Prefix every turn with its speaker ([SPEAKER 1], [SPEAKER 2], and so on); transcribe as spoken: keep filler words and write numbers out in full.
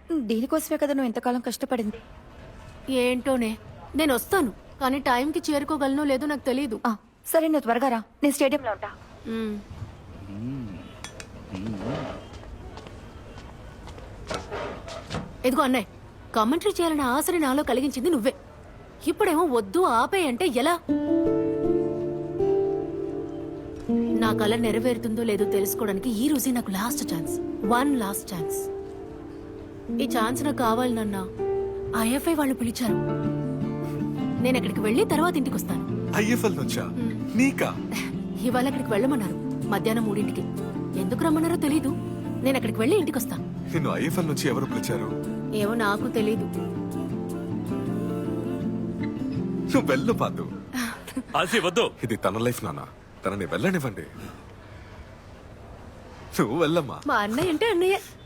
[SPEAKER 1] దీనికోసమే కదా నువ్వు ఎంతకాలం కష్టపడింది.
[SPEAKER 2] ఏంటోనే నేను వస్తాను, కానీ టైంకి చేరుకోగలనో లేదో నాకు తెలియదు.
[SPEAKER 1] ఆ, సరే నువ్వు త్వరగా రా, నేను స్టేడియంలో ఉంటా.
[SPEAKER 2] మ్మ్. ఇదిగో అన్నయ్య, కామెంటరీ చేయాలన్న ఆశని నాలో కలిగించింది నువ్వే. ఇప్పుడేమో వద్దు ఆపే అంటే ఎలా? నా కళ నెరవేరుతుందో లేదో తెలుసుకోవడానికి ఈ రోజే నాకు last chance, one last chance. ఈ ఛాన్స్ నాకు కావాలి నాన్న. ఐఎఫ్ఐ వాళ్ళు పిలిచారు, నేను అక్కడికి వెళ్ళి తర్వాత ఇంటికి వస్తాను.
[SPEAKER 3] ఐఎఫ్ఎల్ నుంచా? నీకా?
[SPEAKER 2] ఇవాళ అక్కడికి వెళ్ళమన్నారు మధ్యాహ్నం మూడింటికి. ఎందుకు రమ్మన్నారో తెలీదు. నేను అక్కడికి వెళ్ళి ఇంటికి వస్తాను.
[SPEAKER 3] నిన్ను ఐఎఫ్ఎల్ నుంచి ఎవరు పిలిచారు?
[SPEAKER 2] ఏమో నాకు తెలీదు.
[SPEAKER 3] నువ్వు వెళ్ళు పాదు.
[SPEAKER 4] ఆల్సీ వద్దు.
[SPEAKER 3] ఇది తన లైఫ్ నాన్న, తనని వెళ్ళనివ్వండి. నువ్వు వెళ్ళమ్మా.
[SPEAKER 2] మా అన్నయ్య అంటే అన్నయ్య.